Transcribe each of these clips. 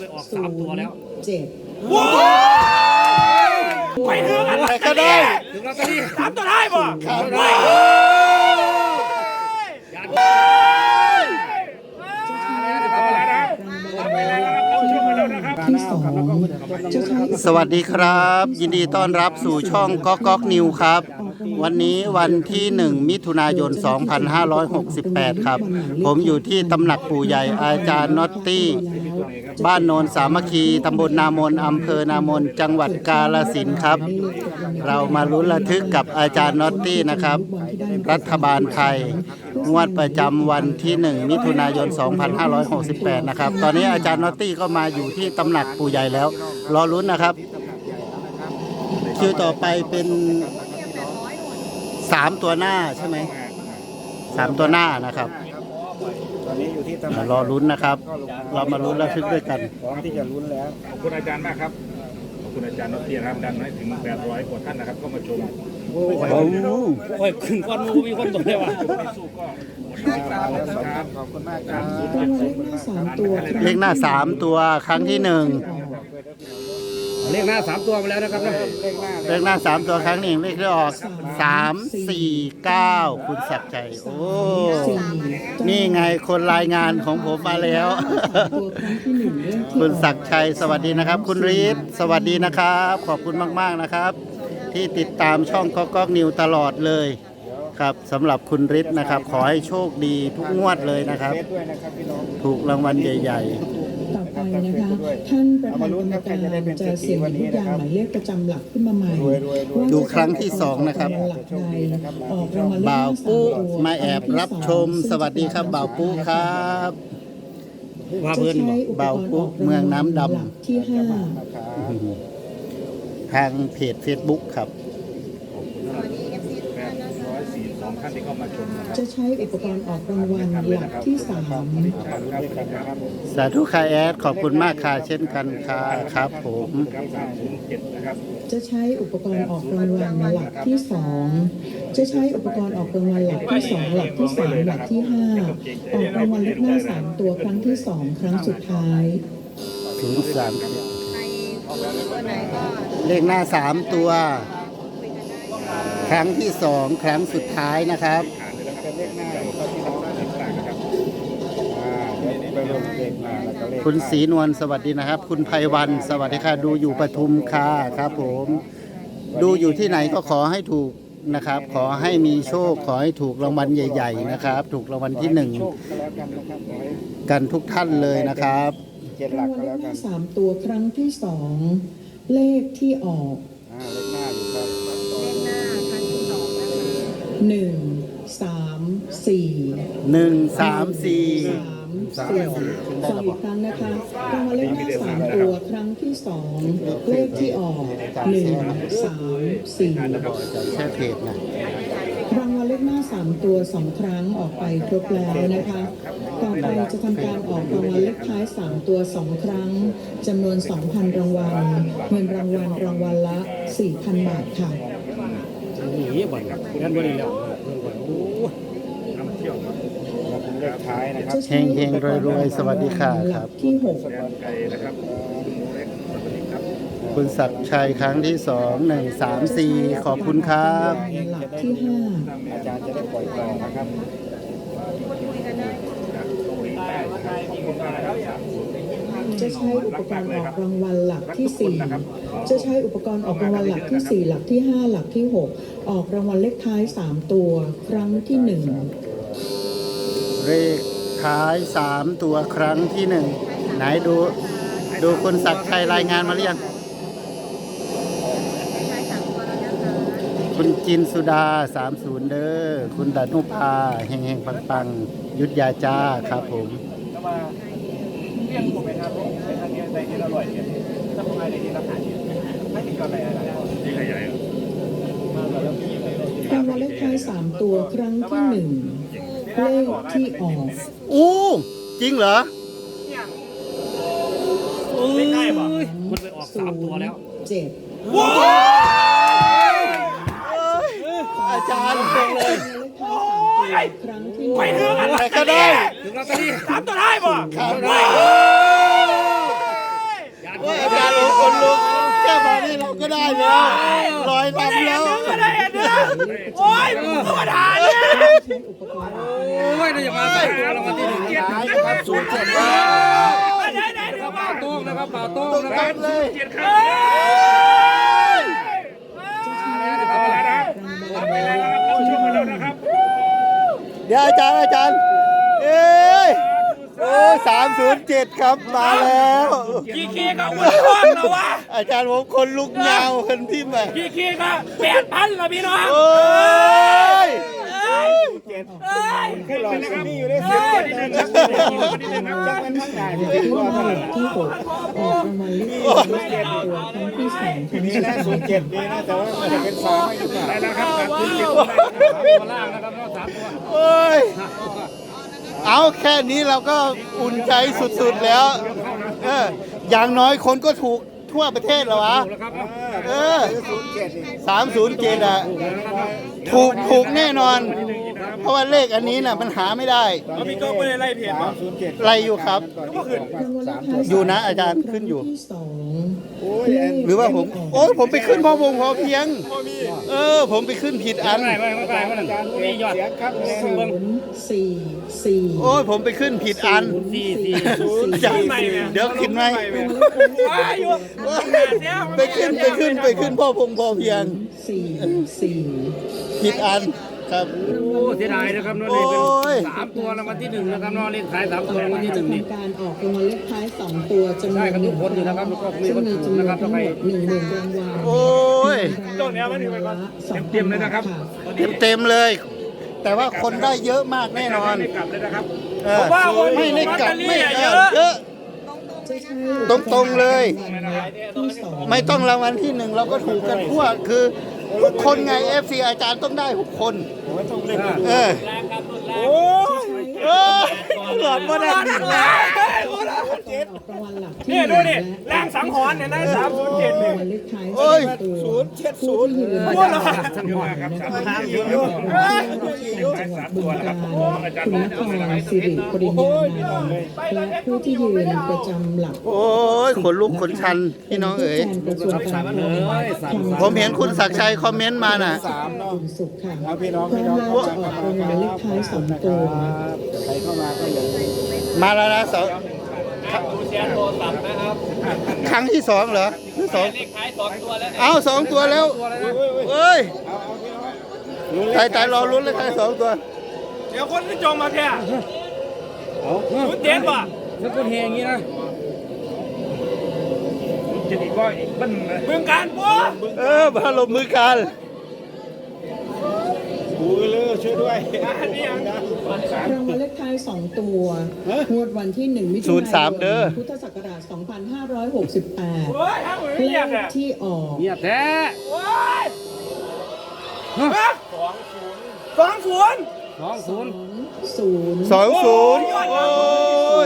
ออก3 ตัวแล้ว 7 ว้าวไปถึงอะไรก็ได้ถึงลอตเตอรี่3 ตัวได้บ่ครับสวัสดีครับยินดีต้อนรับสู่ช่องก๊อกก๊อกนิวครับวันนี้วันที่1มิถุนายน2568ครับผมอยู่ที่ตำหนักปู่ใหญ่อาจารย์น็อตตี้บ้านโนนสามัคคีตำบลนามนอำเภอนามนจังหวัดกาฬสินธุ์ครับเรามาลุ้นระทึกกับอาจารย์น็อตตี้นะครับรัฐบาลไทยงวดประจำวันที่1มิถุนายน2568นะครับตอนนี้อาจารย์น็อตตี้ก็มาอยู่ที่ตำหนักปู่ใหญ่แล้วรอลุ้นนะครับคิวต่อไปเป็น3 ตัวหน้าใช่ไหม3 ตัวหน้านะครับตอนนี้อยู่ที่ตำแหน่งรอลุ้นนะครับเรามาลุ้นระทึกด้วยกันพร้อมที่จะลุ้นแล้วขอบคุณอาจารย์มากครับขอบคุณอาจารย์น็อตตี้นะครับดันให้ถึง800กว่าท่านนะครับก็มาชมโอ้ยขึ้นก้อนมูมีคนตัวเลยวะขอบคุณมากครับเลขหน้า3 ตัวครั้งที่1 เลขหน้า3 ตัวมาแล้วนะครับนะเลขหน้า3 ตัวครั้ง1เลขที่ออก3 4 9คุณศักดิ์ชัยโอ้นี่ไงคนรายงานของผมมาแล้วคุณศักดิ์ชัยสวัสดีนะครับคุณฤทธิ์สวัสดีนะครับขอบคุณมากๆนะครับที่ติดตามช่องก๊อกก๊อกนิวตลอดเลยครับสำหรับคุณฤทธิ์นะครับขอให้โชคดีทุกงวดเลยนะครับถูกรางวัลใหญ่ต่อไปนะคะท่านประธานกรรมการจะเสี่ยงหยิบลูกยางหมายเลขประจำหลักขึ้นมาใหม่ดูครั้งที่2นะครับบ่าวปุ๊มาแอบรับชมสวัสดีครับบ่าวปุ๊ครับบ่าวปุ๊เมืองน้ำดำที่ทางเพจ Facebook ครับท่านที่เข้ามาชมจะใช้อุปกรณ์ออกรางวัลหลักที่3 สาธุค่ะแอดขอบคุณมากค่ะเช่นกันค่ะครับผมจะใช้อุปกรณ์ออกรางวัลหลักที่2จะใช้อุปกรณ์ออกรางวัลหลักที่2หลักที่3หลักที่5ออกรางวัลเลขหน้า3ตัวครั้งที่2ครั้งสุดท้าย 03เลขหน้า3ตัวครั้งที่2ครั้งสุดท้ายนะครับคุณศรีนวลสวัสดีนะครับคุณไพวันสวัสดีค่ะดูอยู่ปทุมค่ะครับผมดูอยู่ที่ไหนก็ขอให้ถูกนะครับขอให้มีโชคขอให้ถูกรางวัลใหญ่ๆนะครับถูกรางวัลที่1กันทุกท่านเลยนะครับรางวัลเลขหน้า3ตัวครั้งที่2เลขที่ออกเลขหน้าอยู่ครับ 1 3 4 1 3 4 3 4อีกครั้งนะคะรางวัลเลขหน้า3ตัวครั้งที่2เลขที่ออก1 3 4 แค่เพจนะรางวัลเลขหน้า3ตัว2ครั้งออกไปครบแล้วนะคะต่อไปจะทำการออกรางวัลเลขท้าย3ตัว2ครั้งจำนวน 2,000 รางวัลเงินรางวัลละ 4,000 บาทค่ะนี่บ่อยครับงั้นบ่ได้แล้วเลขท้ายนะครับเฮงๆรวยๆสวัสดีค่ะครับที่6 คุณศักดิ์ชัยครั้งที่2 1 3 4ขอบคุณครับหลักที่ 5อาจารย์จะได้ปล่อยต่อนะครับจะใช้อุปกรณ์ออกรางวัลหลักที่4จะใช้อุปกรณ์ออกรางวัลหลักที่4หลักที่5หลักที่6ออกรางวัลเลขท้าย3ตัวครั้งที่1 เลขท้าย3ตัวครั้งที่1ไหนดูคุณศักดิ์ชัยรายงานมาหรือยังคุณจินสุดา30เด้อคุณดานุภาเฮงๆปังๆยุทธยาจ้าครับผมรางวัลเลขท้าย3ตัวครั้งที่1เลขที่ออกโอ้จริงเหรอไม่ได้ป่ะมันไปออก3 ตัวแล้ว 7 ว้าวอาจารย์ตรงเลยครั้งที่ไปถึงอะไรก็ได้ถึงลอตเตอรี่3 ตัวได้ป่ะได้แล้วลอยลำแล้วไม่ได้เด้อโอ้ยมึงก็มาด่าเนี่ยอุปกรณ์โอ้ยเราจะมาใส่ตัวรางวัลที่หนึ่งท้ายนะครับ07ครับไหนๆป่าโต้งนะครับป่าโต้งนะคตัรับดเลยเอาไปแล้วนะครับเข้าช่วงกันแล้วนะครับเดี๋ยวอาจารย์เอ้ยโอ้307ครับมาแล้วขี้ก็อ้วนท้องแล้ววะอาจารย์ผมคนลุกยาวคนพิมพ์ไปขี้ก็8,000ละพี่น้องโอ้ยขึ้นหลอดคนนี้อยู่ได้สิบเจ็ดเลยครับจังมันทั้งหลายที่ที่ว่าเท่าไหร่ที่6ออกรางวัลเลขท้าย3ตัวครั้งที่2ครั้งนี่ที่นะ07นี่นะแต่ว่ามันจะเป็น3ไม่หรือเปล่าได้แล้วครับการคุณเจ็บตัวล่างนะครับรอบ3ตัวโอ้ยเอาแค่นี้เราก็อุ่นใจสุดๆแล้วอย่างน้อยคนก็ถูกทั่วประเทศแล้ววะ307อ่ะถูกแน่นอน เพราะว่าเลขอันนี้น่ะมันหาไม่ได้พี่โจ๊กไม่ได้ไล่เพจป่ะ 307 ไล่อยู่ครับรางวัลเลขท้ายอยู่นะอาจารย์ขึ้นอยู่ที่สองโอ้ยเลขหรือว่าผมโอ้ยผมไปขึ้นพอวงพอเพียง ผมไปขึ้นผิดอันไม่กลายว่านั่นมียอดเสียงครับ 044 โอ้ยผมไปขึ้นผิดอัน 4 จะเดี๋ยวขึ้นไหมอยู่ไปขึ้นพ่อพงพอเพียง 44 ผิดอันครับโอ้เสียดายนะครับน้องนี่เป็น3ตัวรางวัลที่1นะครับน้องเลขท้าย3ตัวรางวัลที่1นี่ทำการออกรางวัลเลขท้าย2ตัวจำนวนได้กันทุกคนอยู่นะครับแล้วก็มีคนถูกนะครับทั้งหมด10,000รางวัลโอ้ยเต็มเลยนะครับเต็มเลย แต่ว่าคนได้เยอะมากแน่นอนไม่กลับเลยนะครับไม่ได้กลับไม่เยอะจะใช้ตรงๆเลยที่สองไม่ต้องรางวัลที่1เราก็ถูกกันทั่วคือทุกคนไง FC อาจารย์ต้องได้ทุกคนหลอดบ่ได้ออกรางวัลหลักที่นี่ดูดิและแรงสังหรณ์เนี่ยนะ307 รางเนี่ยวัลเลขท้ายโอ้ย 3ตัวผู้ที่ยืนประจำหลักสังหรณ์นะคะจังหวัดบึงกาฬคุณนครสิริปริญญานันท์และผู้ที่ยืนประจำหลักโอ้ยขนลุกขนชันพี่น้องเอ๋ยกระทรวงการคลังผมเห็นคุณศักดิ์ชัยคอมเมนต์มาน่ะ 3เนาะคุณสุขค่ะเอาพี่น้องพร้อมแล้วจะออกรางวัลเลขท้าย2ตัวใครเข้ามาก็อย่าลืมมาแล้วนะครั้งที่2เหรอหรือ2เอา2ตัวแล้วเอ้ยตายรอลุ้นเลยใคร2ตัวเดี๋ยวคนที่จองมาแค่รู้เจ็ดป่ะแล้วคนเฮอย่างนี้นะจะอีกก็อีกบ้านเลยเมืองการปุ๊บมาลงมือกันบูเลอร์ช่วยด้วยรางวัลเลขท้าย2ตัวงวดวันที่1มิถุนายนพุทธศักราชโอ้ 2568 ยทำเหมือนเลเงียบขเนี่ยที่ออกเงียบแท้โอ้ย20 20โอ้ย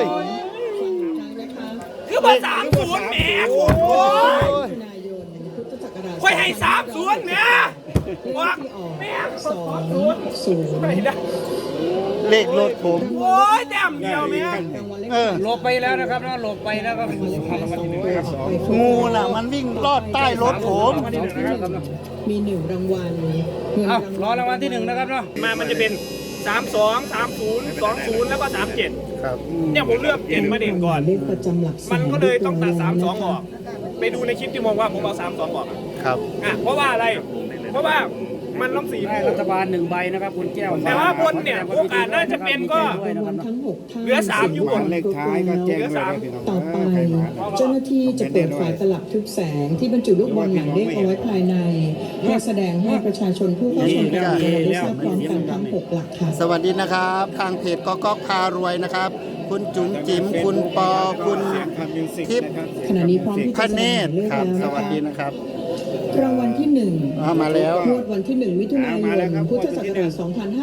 คือมา30แหมโอ้ยมิถุนายนพุทธศักราชค่อยให้30แหมเลขที่ออก20 ไม่ได้เลขรถผมโอ้ยแต้มเดียวแม่รางวัลเลขหลบไปแล้วนะครับนะหลบไปแล้วครับงูน่ะมันวิ่งลอดใต้รถผมมี1รางวัลเงินเอารางวัลรอรางวัลที่1นะครับเนาะมันจะเป็น32 30 20แล้วก็37 ครับเนี่ยผมเลือก7มาเด่นก่อนเลขประจำหลักแสมันก็เลยต้องตัดรียบร้ยแล้ว 32 ออก ไปดูในคลิปที่มองว่าผมเอา32 ออกครับเพราะว่าอะไร เพราะว่ามันล้อมสีให้รัฐบาล1ใบนะครับคุณแก้วแต่ว่าบนเนี่ยโอกาสน่าจะเป็นก็รางวัลทั้ง6ท่านเหลือ3อยู่บนเลขท้ายก็แจ้งด้วยนะพี่น้องต่อไปเจ้าหน้าที่จะเปิดฝาตลับทึบแสงที่บรรจุลูกบอลหมายเลขเอาไว้ภายในเพื่อแสดงให้ประชาชนผู้เข้าชมการแข่งขันได้ทราบพร้อมกันทั้ง6หลักค่ะสวัสดีนะครับ ทางเพจก๊อกพารวยนะครับ คุณจุ๋มจิ๋มคุณปอคุณทิพย์ขณะนี้พร้อมที่พจะระเนตรเลือกครับแล้วสนะวัสคะดีนะครับรางวัลที่1 มาแล้วงวดวันที่1มิถุนายนพุทธศักราช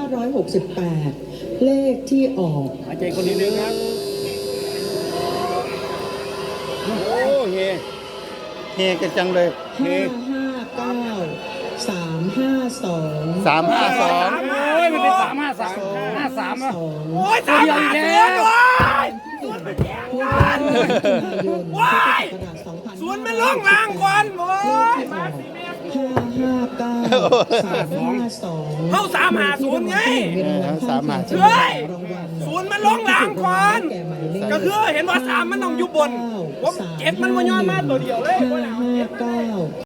2568 เลขที่ออกหายใจคนนิดนึงครับโอ้เฮเฮกันจังเลย 559 352 352 โอ้ยมันเป็น353 53อ่ะ 2 โอ้ย3 5 0โอ้ยว้ายสวนมันล่องลางก่อนโอ้ยมาสิแม่ 559 352 เข้า350ไง 350 เฮ้ยศูนย์มันล่องลางก่อนก็คือเห็นว่า3มันต้องอยู่บนผม7มันมาย้อนมาตัวเดียวเลย 559